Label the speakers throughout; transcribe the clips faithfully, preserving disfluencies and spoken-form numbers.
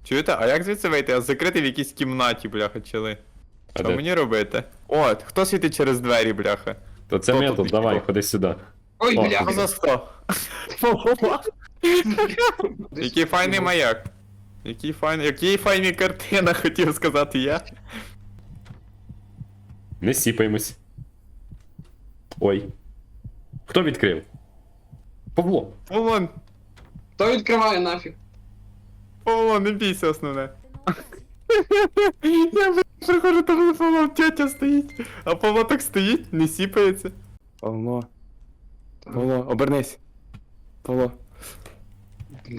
Speaker 1: Чуєте, а як звідси вийти? Я закритий в якійсь кімнаті, бляха, чили.
Speaker 2: А
Speaker 1: Що
Speaker 2: де?
Speaker 1: мені робити? О, хто світить через двері, бляха?
Speaker 2: То це
Speaker 1: Хто
Speaker 2: метод,
Speaker 1: тут
Speaker 2: давай,
Speaker 1: ніхто?
Speaker 2: ходи сюди.
Speaker 3: Ой,
Speaker 2: О,
Speaker 3: бля.
Speaker 1: Що за сто? Який файний маяк. Який файний, який файний картина, хотів сказати я.
Speaker 2: Не сіпаємось. Ой. Хто відкрив? Павло.
Speaker 1: Павло,
Speaker 3: Хто відкриває нафіг?
Speaker 1: Павло, не бійся основне. Я блядь, приходжу, там Павло, тетя стоїть. А Павло так стоїть, не сіпається. Павло. Павло, обернись. Павло.
Speaker 3: Бля.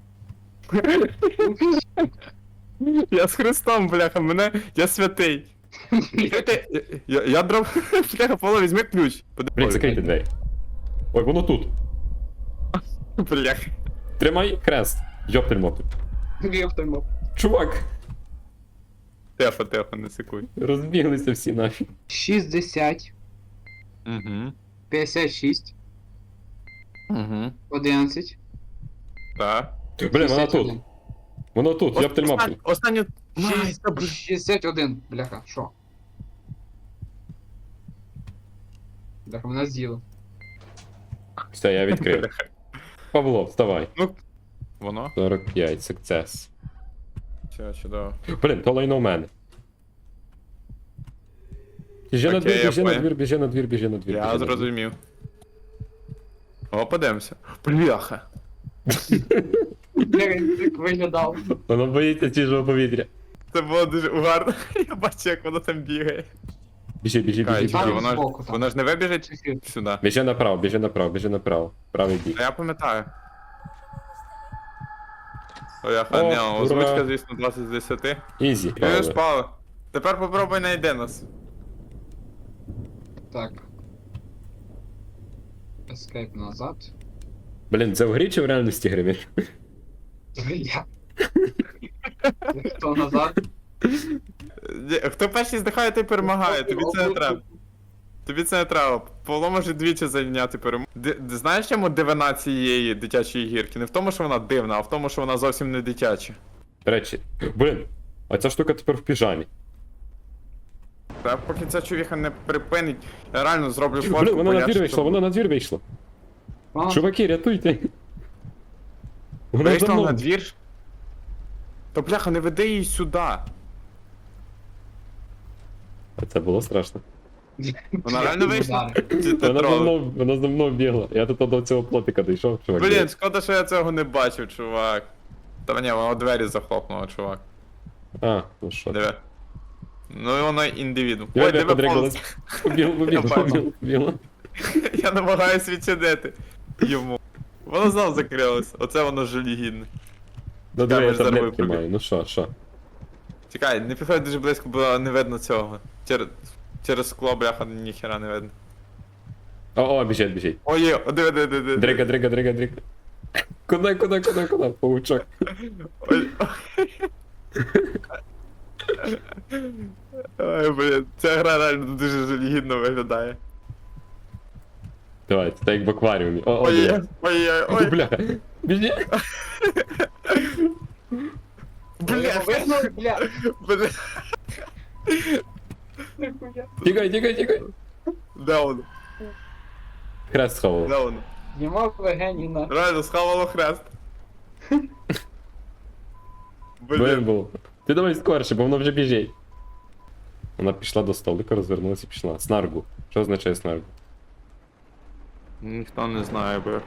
Speaker 1: Я з Христом, бляха, мене. Я святий. Чуєте, Я, я, я дров. Бляха, Павло, візьми ключ.
Speaker 2: Блін, закрийте двері. Ой, воно тут.
Speaker 1: Бляха.
Speaker 2: Тримай хрест. Йоптельмотель.
Speaker 3: Віптимо.
Speaker 2: Чувак.
Speaker 1: Тихо, тихо, не секуй.
Speaker 2: Розбіглися всі нафіг.
Speaker 3: шістдесят,
Speaker 1: Угу.
Speaker 3: п'ятдесят шість,
Speaker 1: Угу.
Speaker 3: одинадцять.
Speaker 1: Так.
Speaker 2: Блін, вона тут. Воно тут, йоптельмотель.
Speaker 1: Останню.
Speaker 3: шістдесят один, бляха, що? Бляха, мене з'їло.
Speaker 2: Все, я відкрив. Павло, вставай.
Speaker 1: Ну, воно?
Speaker 2: сорок п'ять, сукцес.
Speaker 1: Все, чудово.
Speaker 2: Блін, то лайно в мене. Біжи на
Speaker 1: Окей,
Speaker 2: двір,
Speaker 1: я
Speaker 2: біжи на
Speaker 1: понял.
Speaker 2: двір, біжи на двір, біжи на двір.
Speaker 1: Я
Speaker 2: біжи на двір.
Speaker 1: зрозумів. О, подивимося. Бляха.
Speaker 3: Бляха, він так виглядав.
Speaker 2: Воно боїться чужого повітря.
Speaker 1: Це було дуже угарно. Я бачу, як воно там бігає.
Speaker 2: Біжи, біжи,
Speaker 1: Чекай,
Speaker 2: біжи,
Speaker 1: чекай,
Speaker 2: біжи.
Speaker 1: воно, ж-
Speaker 3: збоку там.
Speaker 1: воно ж не вибіжить сюди.
Speaker 2: Біжи направо, біжи направо, біжи направо. Правий бік.
Speaker 1: А я пам'ятаю. Бляха,
Speaker 2: О,
Speaker 1: не,
Speaker 2: ура.
Speaker 1: озвучка, звісно, двадцять з десяти.
Speaker 2: Ізі.
Speaker 1: Чуєш, Павло? Тепер попробуй найди нас.
Speaker 3: Так. Ескейп назад.
Speaker 2: Блін, це в грі чи в реальності гри?
Speaker 3: Я. Хто назад?
Speaker 1: Ні, Хто перший здихає, той перемагає, тобі це не треба. Тобі це не треба. Павло може двічі зайняти перемогу. Ди- ди- Знаєш, чому дивина цієї дитячої гірки? Не в тому, що вона дивна, а в тому, що вона зовсім не дитяча.
Speaker 2: До речі, блін, а ця штука тепер в піжамі.
Speaker 1: Та поки ця чувіха не припинить, я реально зроблю фотку.
Speaker 2: Блін, вона на
Speaker 1: поясню,
Speaker 2: двір вийшла,
Speaker 1: щоб-
Speaker 2: вона на двір вийшла.
Speaker 3: А,
Speaker 2: Чуваки, рятуйте. Вона за
Speaker 1: Вийшла на
Speaker 2: мною.
Speaker 1: двір? То бляха, не веди її сюди.
Speaker 2: А це було страшно.
Speaker 1: Вона реально вийшла?
Speaker 3: удари.
Speaker 1: Чи ти
Speaker 2: Вона за
Speaker 1: тролиш?
Speaker 2: мною, вона за мною бігла. Я тут до цього плотика дійшов, чувак.
Speaker 1: Блін, шкода, що я цього не бачив, чувак. Та ні, вона двері захлопнула, чувак.
Speaker 2: А, ну що.
Speaker 1: Диви. Ну і воно індивіду.
Speaker 2: Я
Speaker 1: Ой,
Speaker 2: тебе
Speaker 1: диви,
Speaker 2: подригалась.
Speaker 1: повз.
Speaker 2: Побігла, побігла,
Speaker 1: Я поймав.
Speaker 2: побігла, побігла.
Speaker 1: Я намагаюсь відчинити йому. Воно знов закрилось. Оце воно жалігідне.
Speaker 2: Ну
Speaker 1: Я
Speaker 2: диви, я
Speaker 1: вже заробив
Speaker 2: таблетки
Speaker 1: пробіг.
Speaker 2: маю, ну що, що.
Speaker 1: Чекай, не підходь дуже близько, бо не видно цього. Через, через скло, бляха, ніхера не видно.
Speaker 2: О, о, біжить, біжить.
Speaker 1: Ой, є, о, диви, диви, диви.
Speaker 2: Дрига, дрига, дрига, дрига. Куди, куди, куди, куди? Паучок.
Speaker 1: Ой. Ой, блін, ця гра реально дуже жалігідно виглядає.
Speaker 2: Давай, це так як в акваріумі. О, о,
Speaker 1: Ой, є,
Speaker 2: диви.
Speaker 1: ой, є,
Speaker 2: Ой,
Speaker 1: ой,
Speaker 2: бляха. Біжи.
Speaker 1: бля,
Speaker 3: Видно, бля.
Speaker 1: бля.
Speaker 2: Тікай, тікай, тікай.
Speaker 1: Де воно?
Speaker 2: Хрест сховав.
Speaker 1: Де воно?
Speaker 3: Знімав легені на.
Speaker 1: Реально, схавало хрест.
Speaker 2: Блин
Speaker 1: Блін,
Speaker 2: був. Ти давай скорше, бо воно вже біжить. Вона пішла до столика, розвернулася і пішла. Снаргу. Що означає снаргу?
Speaker 1: ніхто не знає, бо.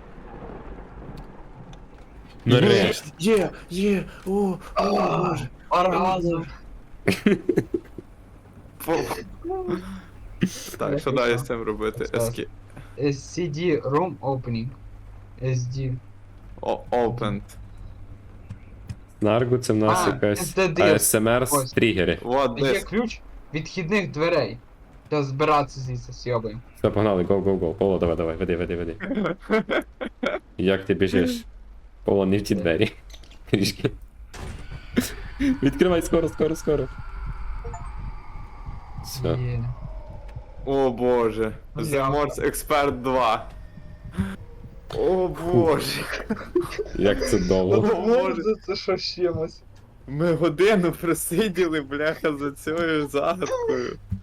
Speaker 2: Нарешті.
Speaker 1: Є, є, о,
Speaker 3: Боже. Оргазм.
Speaker 1: Так, що далі з цим робити? Escape.
Speaker 3: Ес Сі Ді Room Opening. Ес Ді.
Speaker 1: О, Opened.
Speaker 2: Снаргу це в нас
Speaker 3: А,
Speaker 2: якась
Speaker 3: ес ді ді.
Speaker 2: А С М Р
Speaker 3: Ось.
Speaker 2: з тригери.
Speaker 1: Вот
Speaker 3: Є
Speaker 1: десь.
Speaker 3: ключ від вхідних дверей. Треба збиратися звідси сьобаємо.
Speaker 2: Все, погнали, go, go, go. Павло, давай, давай, веди, веди, веди. Як ти біжиш? Павло, не в ті двері. Трішки. Відкривай скоро, скоро, скоро. Все.
Speaker 3: Є.
Speaker 1: О боже. The Morse Expert два. О боже.
Speaker 2: Як це довго.
Speaker 1: О, Боже.
Speaker 3: це що з чимось.
Speaker 1: Ми годину просиділи, бляха, за цією загадкою.